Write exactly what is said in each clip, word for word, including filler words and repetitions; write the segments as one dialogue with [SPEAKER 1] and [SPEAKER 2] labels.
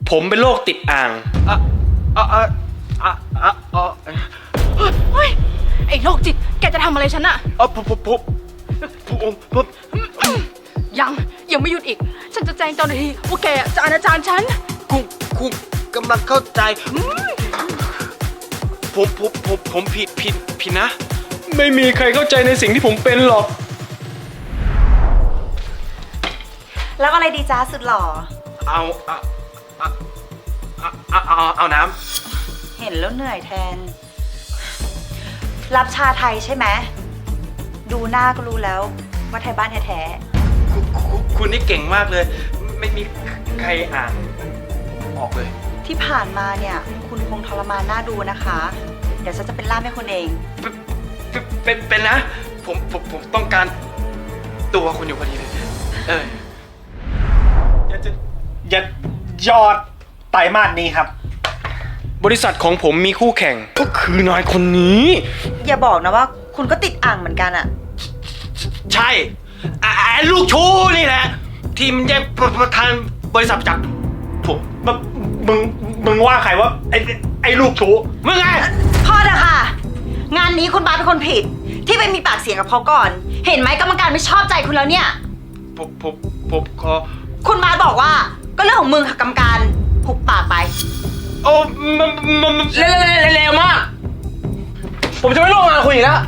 [SPEAKER 1] ผมเป็นโรคติดอ่างอ่ะอ่ะอ่ะอ่ะอ่ะอ่ะ
[SPEAKER 2] เฮ้ยไอ้โรคจิตแกจะทำอะไรฉันอะ
[SPEAKER 1] อ่ะผมผมผมผมผม
[SPEAKER 2] ยังยังไม่หยุดอีกฉันจะแจ้งเจ้าหน้าที่ว่าแกจะอนาจารฉัน
[SPEAKER 1] คุณคุณกำลังเข้าใจผมผมผมผมผิดผิดผิดนะไม่มีใครเข้าใจในสิ่งที่ผมเป็นหรอก
[SPEAKER 3] แล้วอะไรดีจ้าสุดหล่อ
[SPEAKER 1] เอาเอาเอาเอาเอาเอาน้
[SPEAKER 3] เห็นแล้วเหนื่อยแทน รับชาไทยใช่ไหมดูหน้าก็รู้แล้วว่าไทยบ้านแท้
[SPEAKER 1] ำคุณคุณคุณนี่เก่งมากเลย ไม่มีใครอ่านออกเลย
[SPEAKER 3] ๆที่ผ่านมาเนี่ยคุณคงทรมานหน้าดูนะคะ เดี๋ยวฉันจะเป็นล่ามให้คุณเอง
[SPEAKER 1] เป็นเป็นเป็นนะผมผมผมต้องการตัวคุณอยู่พอดีเลยเออ
[SPEAKER 4] อย่าจะอย่ายอดไตรมาสนี้ครับ
[SPEAKER 1] บริษัทของผมมีคู่แข่งก็คือนายคนนี้
[SPEAKER 3] อย่าบอกนะว่าคุณก็ติดอ่างเหมือนกันอะ
[SPEAKER 1] ใช่ไอ้ไอ้ลูกชู้นี่แหละ ทีมแย่งประธานบริษัทจากผม
[SPEAKER 4] มึงมึงมึงว่าใครว่าไอ้ไอ้ลูกชู้
[SPEAKER 1] มึงไง
[SPEAKER 3] พอเถอะค่ะ งานนี้คุณบาสเป็นคนผิด ที่ไปมีปากเสียงกับเขาก่อน เห็นไหมกรรมการไม่ชอบใจคุณแล้วเนี่ย
[SPEAKER 1] ผมผมผมขอ
[SPEAKER 3] คุณบาสบอกว่าก็เรื่องของมึงค่ะกรรมการหุบปากไป
[SPEAKER 1] โอ้มันมันมันเร็วเร็วเร็วมาก ผมจะไม่ร่วมงานคุณอีกแล้ว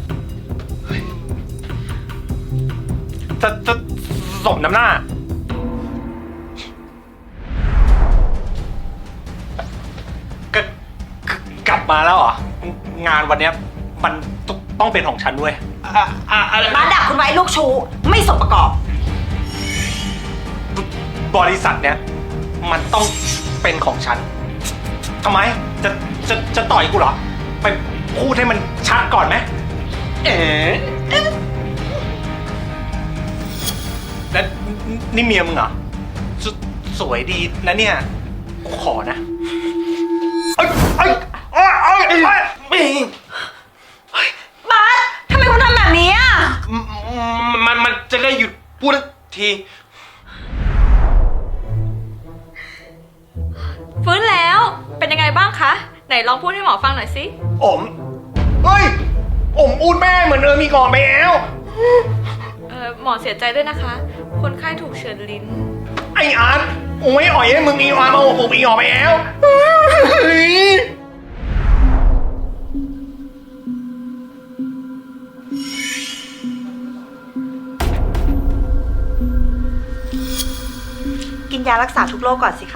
[SPEAKER 4] จะจะสมน้ำหน้า กกลับมาแล้วเหรอ งานวันเนี้ยมันต้องต้องเป็นของฉันด้วย
[SPEAKER 1] อ่ะอ่ะอะไร
[SPEAKER 3] บาสด่าคุณไว้ลูกชู้ไม่สมประกอบ
[SPEAKER 4] บริษัทเนี้ยมันต้องเป็นของฉันทำไมจะจะจะต่อยกูเหรอ ไปพูดให้มันชัดก่อนไหม
[SPEAKER 1] เอ๋
[SPEAKER 4] แล้วนี่เมียมึงเหรอสสวยดีนะเนี่ยกูขอนะเอ้ยเอ้ยเอ้ยเอ้ยเอ้ย
[SPEAKER 1] ไม่
[SPEAKER 3] บาสทำไมคุณทำแบบนี้อ่ะ
[SPEAKER 1] มันมันจะได้หยุดพูดที
[SPEAKER 5] ฟื้นแล้ว เป็นยังไงบ้างคะ ไหนลองพูดให้หมอฟังหน่อยสิ
[SPEAKER 4] อมเฮ้ยอมอูดแม่เหมือนเออมีก่อนไปแล้ว
[SPEAKER 5] เออหมอเสียใจด้วยนะคะ คนไข้ถูกเฉือนลิ้น
[SPEAKER 4] ไออาร์ตโอ้ยอ่อยให้มึงอีวามาโอ้โหอีออกไปแล้วเฮ้ย
[SPEAKER 3] กินยารักษาทุกโรคก่อนสิคะ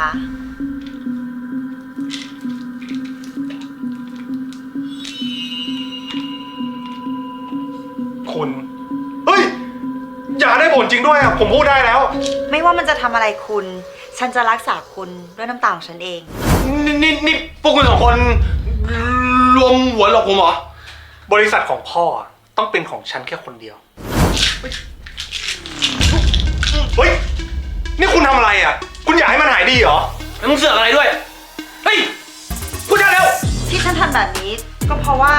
[SPEAKER 4] คุณเฮ้ยอย่าได้ผลจริงด้วยอ่ะผมพูดได้แล้ว
[SPEAKER 3] ไม่ว่ามันจะทำอะไรคุณ ฉันจะรักษาคุณด้วยน้ำตาของฉันเอง
[SPEAKER 1] นี่นี่นี่พวกคุณสองคนรวมหัวหลอกผมเหรอ
[SPEAKER 4] บริษัทของพ่อต้องเป็นของฉันแค่คนเดียวเฮ้ยนี่คุณทำอะไรอ่ะคุณอยากให้มันหายดีเหรอ
[SPEAKER 1] แล้วมึงเสือกอะไรด้วย เฮ้ย พูดได้แล้ว
[SPEAKER 3] ที่ฉันทำแบบนี้ก็เพราะว่า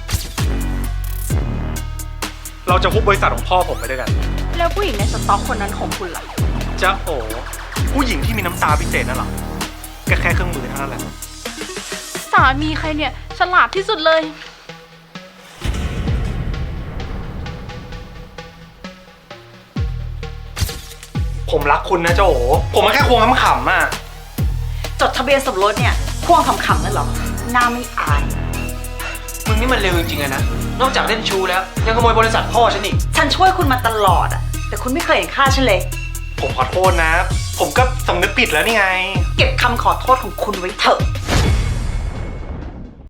[SPEAKER 4] เราจะคุบบริษัทของพ่อผมไปด้วยกัน
[SPEAKER 2] แล้วผู้หญิงในสต็อกคนนั้นของคุณล่ะ
[SPEAKER 4] จะโอ้ผู้หญิงที่มีน้ำตาพิเศษนั่นเหรอก็แค่เครื่องมือเท่านั้นแหละ
[SPEAKER 2] สามีใครเนี่ยฉลาดที่สุดเลย
[SPEAKER 4] ผมรักคุณนะเจ้าโอผมมาแค่ควงขำๆอ่ะ
[SPEAKER 3] จดทะเบียนสมรสเนี่ยพ่วงขำๆนั่นเหรอหน้าไม่อาย
[SPEAKER 1] มึงนี่มันเร็วจริงๆอะนะ นอกจากเล่นชูแล้ว ยังขโมยบริษัทพ่อฉันอีก
[SPEAKER 3] ฉันช่วยคุณมาตลอดอะแต่คุณไม่เคยเห็นค่าฉันเลย
[SPEAKER 4] ผมขอโทษนะ ผมก็สำนึกผิดแล้วนี่ไง
[SPEAKER 3] เก็บคำขอโทษของคุณไว้เถอะ